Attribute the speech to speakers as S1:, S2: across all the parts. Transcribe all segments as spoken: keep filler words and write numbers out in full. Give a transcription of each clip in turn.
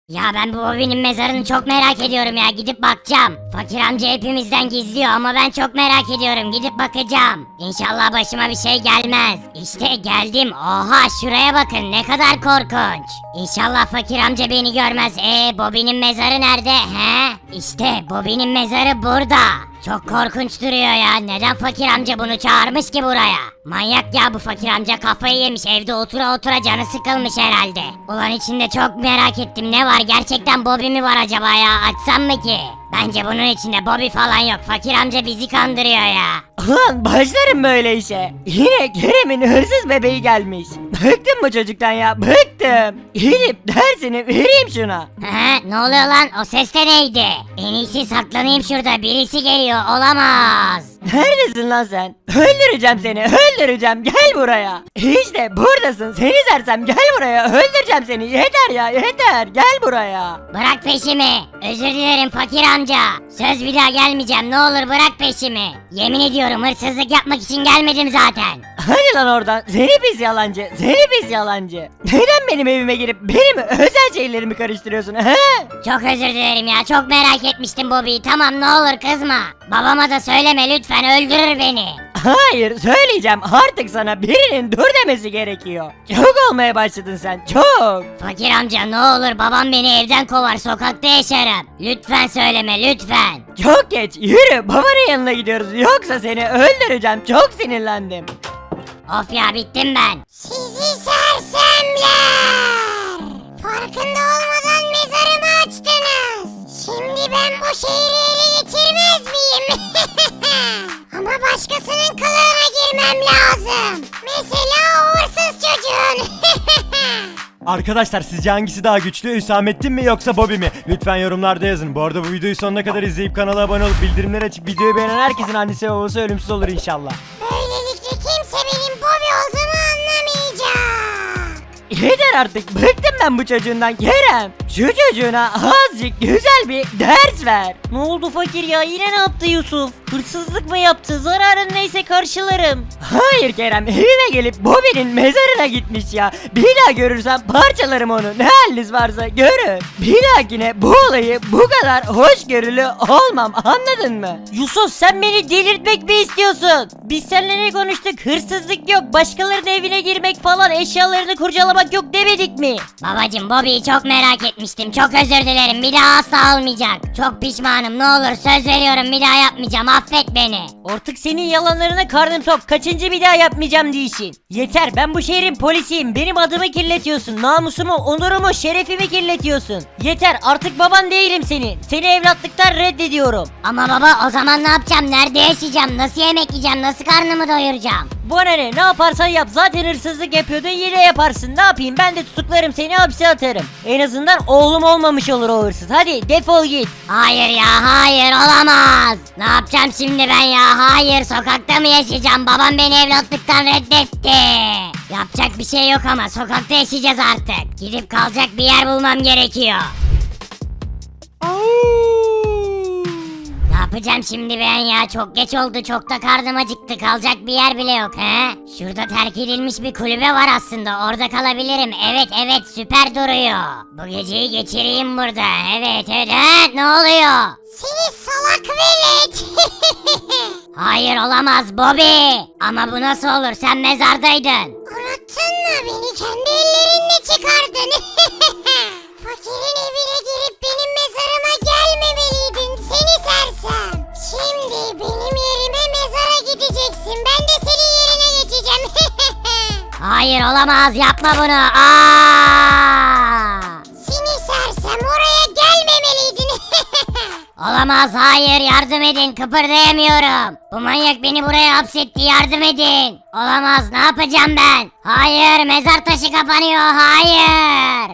S1: Ya ben bu Bobby'nin mezarını çok merak ediyorum ya, gidip bakacağım. Fakir amca hepimizden gizliyor ama ben çok merak ediyorum, gidip bakacağım. İnşallah başıma bir şey gelmez. İşte geldim. Oha, şuraya bakın, ne kadar korkunç. İnşallah fakir amca beni görmez. Ee Bobby'nin mezarı nerede? He? İşte Bobby'nin mezarı burada. Çok korkunç duruyor ya. Neden fakir amca bunu çağırmış ki buraya? Manyak ya bu fakir amca, kafayı yemiş, evde otura otura canı sıkılmış herhalde. Ulan içinde çok merak ettim, ne var? Gerçekten Bobby mi var acaba ya? Açsam mı ki? Bence bunun içinde Bobby falan yok. Fakir amca bizi kandırıyor ya.
S2: Ulan başlarım böyle işe. Yine Kerem'in hırsız bebeği gelmiş. Bıktım bu çocuktan ya, bıktım. Gidip dersini vereyim şuna.
S1: He, ne oluyor lan? O ses de neydi? En iyisi saklanayım şurada. Birisi geliyor. Olamaz.
S2: Neredesin lan sen? Öldüreceğim seni, öldüreceğim, gel buraya. İşte buradasın, seni sersem, gel buraya, öldüreceğim seni. Yeter ya, yeter, gel buraya.
S1: Bırak peşimi. Özür dilerim fakir amca. Söz bir daha gelmeyeceğim. Ne olur bırak peşimi. Yemin ediyorum hırsızlık yapmak için gelmedim zaten.
S2: Hadi lan oradan, seni pis yalancı, seni pis yalancı. Neden benim evime girip benim özel şeylerimi karıştırıyorsun he?
S1: Çok özür dilerim ya. Çok merak etmiştim Bobby'yi. Tamam, ne olur kızma. Babama da söyleme lütfen, öldürür beni.
S2: Hayır, söyleyeceğim, artık sana birinin dur demesi gerekiyor. Çok olmaya başladın sen, çok.
S1: Fakir amca ne olur, babam beni evden kovar, sokakta yaşarım. Lütfen söyleme lütfen.
S2: Çok geç, yürü, babanın yanına gidiyoruz, yoksa seni öldüreceğim, çok sinirlendim.
S1: Of ya, bittim ben. Sizi sersemler. Farkında olmadan mezarımı açtınız. Şimdi ben bu şehri ele geçirmez miyim? Ama başkasının kılığına girmem lazım. Mesela o hırsız çocuğun.
S3: Arkadaşlar sizce hangisi daha güçlü, Hüsamettin mi yoksa Bobby mi? Lütfen yorumlarda yazın. Bu arada bu videoyu sonuna kadar izleyip kanala abone olup bildirimleri açıp videoyu beğenen herkesin annesi ve babası ölümsüz olur inşallah.
S1: Böylelikle kimse benim Bobby olduğumu anlamayacak.
S2: Yeter artık, bıktım ben bu çocuğundan Kerem. Şu çocuğuna azıcık güzel bir ders ver.
S4: Ne oldu fakir ya, yine ne yaptı Yusuf? Hırsızlık mı yaptı? Zararın neyse karşılarım.
S2: Hayır Kerem, evime gelip Bobby'nin mezarına gitmiş ya. Bir daha görürsem parçalarım onu, ne haliniz varsa görün. Bir dahakine bu olayı bu kadar hoşgörülü olmam, anladın mı?
S4: Yusuf, sen beni delirtmek mi istiyorsun? Biz seninle ne konuştuk? Hırsızlık yok, başkalarının evine girmek falan, eşyalarını kurcalamak yok demedik mi?
S1: Babacım, Bobby'yi çok merak etmiştim. Çok özür dilerim. Bir daha asla olmayacak. Çok pişmanım. Ne olur söz veriyorum, bir daha yapmayacağım. Affet beni.
S4: Artık senin yalanlarına karnım tok. Kaçıncı bir daha yapmayacağım diyişin. Yeter, ben bu şehrin polisiyim. Benim adımı kirletiyorsun. Namusumu, onurumu, şerefimi kirletiyorsun. Yeter, artık baban değilim senin. Seni evlatlıktan reddediyorum.
S1: Ama baba, o zaman ne yapacağım? Nerede yaşayacağım? Nasıl yemek yiyeceğim? Nasıl karnımı doyuracağım?
S4: Bana ne, ne yaparsan yap, zaten hırsızlık yapıyordun, yine yaparsın. Ne yapayım, ben de tutuklarım seni, hapse atarım. En azından oğlum olmamış olur o hırsız. Hadi defol git.
S1: Hayır ya, hayır, olamaz. Ne yapacağım şimdi ben ya? Hayır, sokakta mı yaşayacağım? Babam beni evlatlıktan reddetti. Yapacak bir şey yok ama sokakta yaşayacağız artık. Gidip kalacak bir yer bulmam gerekiyor. Ne yapacağım şimdi ben ya? Çok geç oldu, çok da karnım acıktı. Kalacak bir yer bile yok he. Şurada terk edilmiş bir kulübe var aslında, orada kalabilirim. Evet evet, süper duruyor. Bu geceyi geçireyim burada. Evet evet. He, ne oluyor? Seni salak velet. Hayır, olamaz Bobby. Ama bu nasıl olur, sen mezardaydın. Unuttun mu, beni kendi ellerinle çıkardın. Fakirin evine girip benim mezarıma gelmemeliydin seni sersem. Şimdi benim yerime mezara gideceksin. Ben de senin yerine geçeceğim. Hayır, olamaz, yapma bunu. Aa! Seni sersem, oraya gelmemeliydin. Olamaz, hayır, yardım edin, kıpırdayamıyorum. Bu manyak beni buraya hapsetti, yardım edin. Olamaz, ne yapacağım ben? Hayır, mezar taşı kapanıyor, hayır.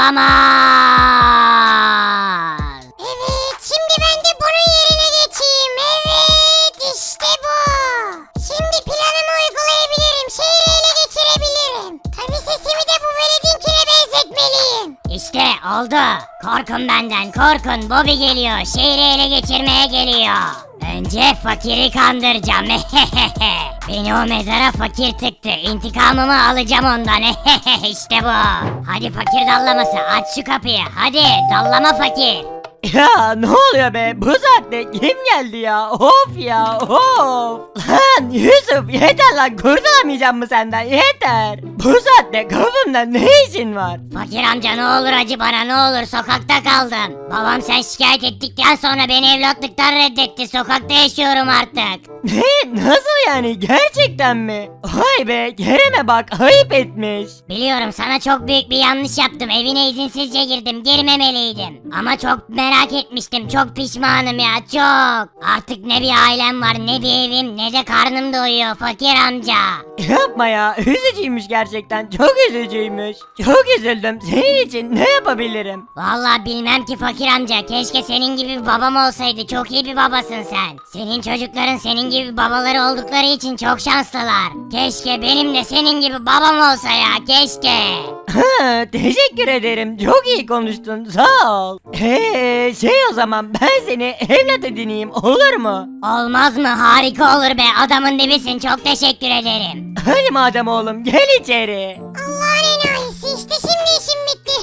S1: Olamaz. Evet, şimdi ben de bunun yerine geçeyim. Evet, işte bu. Şimdi planımı uygulayabilirim, şehri ele geçirebilirim. Tabii sesimi de bu veledinkine benzetmeliyim. İşte oldu oldu? Korkun benden korkun. Bobby geliyor. Şehri ele geçirmeye geliyor. Önce fakiri kandıracağım. Beni o mezara fakir tıktı. İntikamımı alacağım ondan. İşte bu. Hadi fakir dallaması, aç şu kapıyı. Hadi dallama fakir.
S2: Ya ne oluyor be? Bu saatte kim geldi ya? Of ya of. Lan Yusuf yeter lan, kurtulamayacağım mı senden, yeter. Bu saatte kapımda ne işin var?
S1: Fakir amca ne olur acı bana, ne olur, sokakta kaldım. Babam sen şikayet ettikten sonra beni evlatlıktan reddetti. Sokakta yaşıyorum artık.
S2: Ne? Nasıl yani? Gerçekten mi? Vay be, Kerem'e bak, ayıp etmiş.
S1: Biliyorum sana çok büyük bir yanlış yaptım. Evine izinsizce girdim. Girmemeliydim. Ama çok merak etmiştim. Çok pişmanım ya, çok. Artık ne bir ailem var, ne bir evim, ne de karnım doyuyor fakir amca.
S2: Yapma ya, üzücüymüş gerçekten, çok üzücüymüş. Çok üzüldüm, senin için ne yapabilirim?
S1: Vallahi bilmem ki fakir amca. Keşke senin gibi bir babam olsaydı. Çok iyi bir babasın sen. Senin çocukların senin gibi babaları oldukları için çok şanslılar. Keşke benim de senin gibi babam olsa ya, keşke.
S2: Ha, teşekkür ederim, çok iyi konuştun, sağ ol. Eee şey, o zaman ben seni evlat edineyim, olur mu?
S1: Olmaz mı? Harika olur be. Adamın dibisin. Çok teşekkür ederim.
S2: Hadi madem oğlum, gel içeri.
S1: Allah'ın enayisi, işte şimdi işim bitti.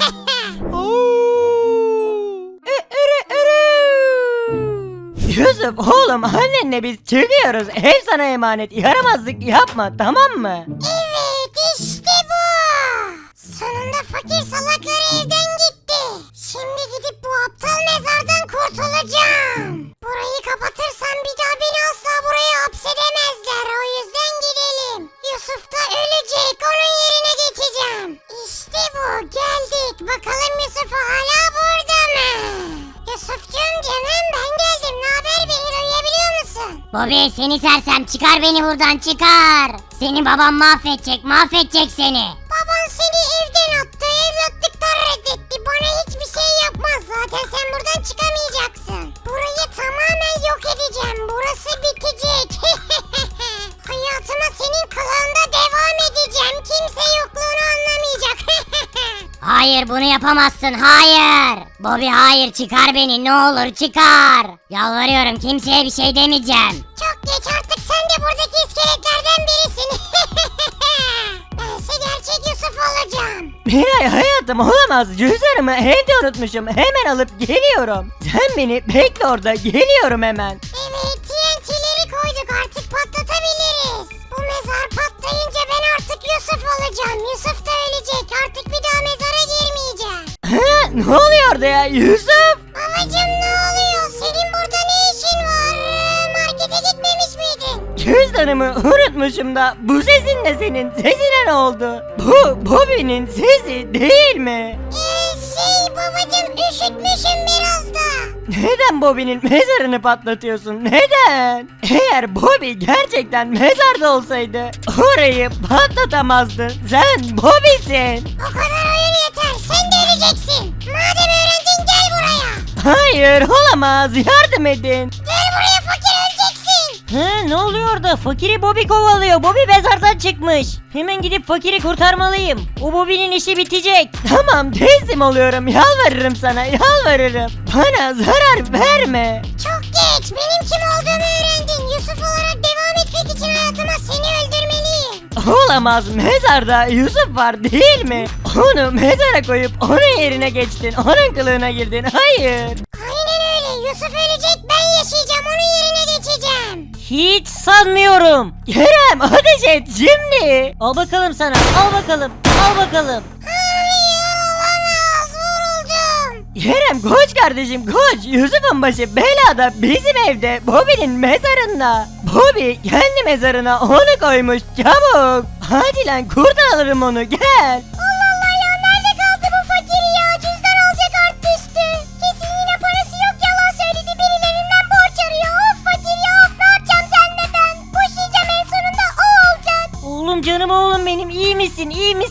S2: Yusuf oğlum, annenle biz çıkıyoruz, ev sana emanet, yaramazlık yapma, tamam mı?
S1: Evet, işte bu. Sonunda fakir salakları evden gitti. Şimdi gidip bu aptal mezardan kurtulacağım. Burayı kapatırsam bir daha beni asla buraya hapsedemezler. O yüzden gidelim. Yusuf da ölecek. Onun yerine geçeceğim. İşte bu. Geldik. Bakalım Yusuf hala burada mı? Yusufcuğum canım, ben geldim. Ne haber, beni duyabiliyor musun? Bobby, seni sersem, çıkar beni buradan, çıkar. Seni babam mahvedecek, mahvedecek seni. Baban seni evden attı, evlatlıktan reddetti. Bana hiçbir şey yapmaz. Zaten sen buradan çıkamayacaksın. Burayı tamamen yok edeceğim. Burası bitecek. Hayatıma senin kılığında devam edeceğim. Kimse yokluğunu anlamayacak. Hayır, bunu yapamazsın, hayır. Bobby hayır, çıkar beni, ne olur çıkar. Yalvarıyorum, kimseye bir şey demeyeceğim. Çok geç artık, sen de buradaki iskeletlerden birisin. Bense gerçek Yusuf olacağım.
S2: Miray hayatım, olamaz, cüzdanımı evde unutmuşum, hemen alıp geliyorum. Sen beni bekle orada, geliyorum hemen.
S1: Evet, T N T'leri koyduk, artık patlatabiliriz. Bu mezar patlayınca ben artık Yusuf olacağım. Yusuf da ölecek, artık bir daha mezara girmeyeceğim.
S2: Ha, ne oluyor orada ya Yusuf?
S1: Babacım ne oluyor? Senin burada ne işin var? Markete gitmemiş miydin?
S2: Cüzdanımı unutmuşum da, bu sesin de senin, sesine ne oldu? Bu Bobby'nin sesi değil mi?
S1: Eee şey babacım, üşütmüşüm biraz da.
S2: Neden Bobby'nin mezarını patlatıyorsun? Neden? Eğer Bobby gerçekten mezarda olsaydı orayı patlatamazdın. Sen Bobby'sin.
S1: O kadar oyun yeter, sen de öleceksin. Madem öğrendin, gel buraya.
S2: Hayır, olamaz, yardım edin.
S1: Gel buraya fakir, öleceksin.
S4: Hı, ne oluyor orada? Fakiri Bobby kovalıyor. Bobby mezardan çıkmış. Hemen gidip fakiri kurtarmalıyım. O Bobby'nin işi bitecek.
S2: Tamam, teslim oluyorum, yalvarırım sana, yalvarırım. Bana zarar verme.
S1: Çok geç, benim kim olduğumu öğrendin. Yusuf olarak devam etmek için hayatıma seni öldürmeliyim.
S2: Olamaz, mezarda Yusuf var değil mi? Onu mezara koyup onun yerine geçtin, onun kılığına girdin, hayır.
S1: Aynen öyle, Yusuf ölecek, ben yaşayacağım, onun yerine geçeceğim.
S4: Hiç sanmıyorum.
S2: Kerem, ateş et şimdi.
S4: Al bakalım sana. Al bakalım. Al bakalım.
S1: Hayır, olamaz, vuruldum.
S2: Kerem koş kardeşim, koş. Yusuf'un başı belada, bizim evde, Bobby'nin mezarında. Bobby kendi mezarına onu koymuş, çabuk. Hadi lan, kurtaralım onu, gel.
S1: Allah Allah ya, nerede kaldı bu fakir ya? Cüzdan alacak artistü. Kesin yine parası yok, yalan söyledi, birilerinden borç arıyor. Of fakir ya, of, ne yapacağım senle ben? Boşayacağım, en sonunda o olacak.
S4: Oğlum, canım oğlum benim. İyi misin? İyi misin? Sana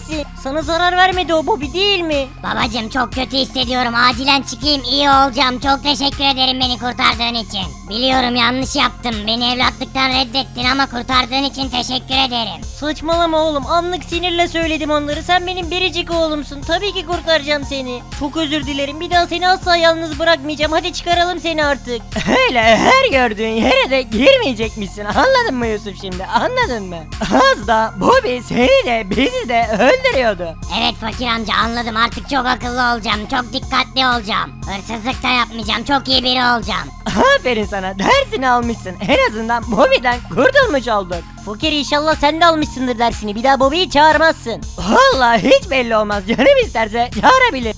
S4: Sana zarar vermedi o Bobby değil mi?
S1: Babacım çok kötü hissediyorum. Acilen çıkayım, iyi olacağım. Çok teşekkür ederim beni kurtardığın için. Biliyorum yanlış yaptım. Beni evlatlıktan reddettin ama kurtardığın için teşekkür ederim.
S4: Saçmalama oğlum, anlık sinirle söyledim onları. Sen benim biricik oğlumsun, tabii ki kurtaracağım seni. Çok özür dilerim, bir daha seni asla yalnız bırakmayacağım. Hadi çıkaralım seni artık.
S2: Öyle her gördüğün yere de girmeyecekmişsin, anladın mı Yusuf şimdi, anladın mı? Az da Bobby seni de bizi de öldürüyordu.
S1: Evet fakir amca anladım, artık çok akıllı olacağım. Çok dikkatli olacağım. Hırsızlık da yapmayacağım. Çok iyi biri olacağım.
S2: Aferin sana, dersini almışsın, en azından Bobby'den kurtulmuş olduk.
S4: Fakir, inşallah sen de almışsındır dersini. Bir daha Bobby'yi çağırmazsın.
S2: Vallahi hiç belli olmaz, canım isterse çağırabilir.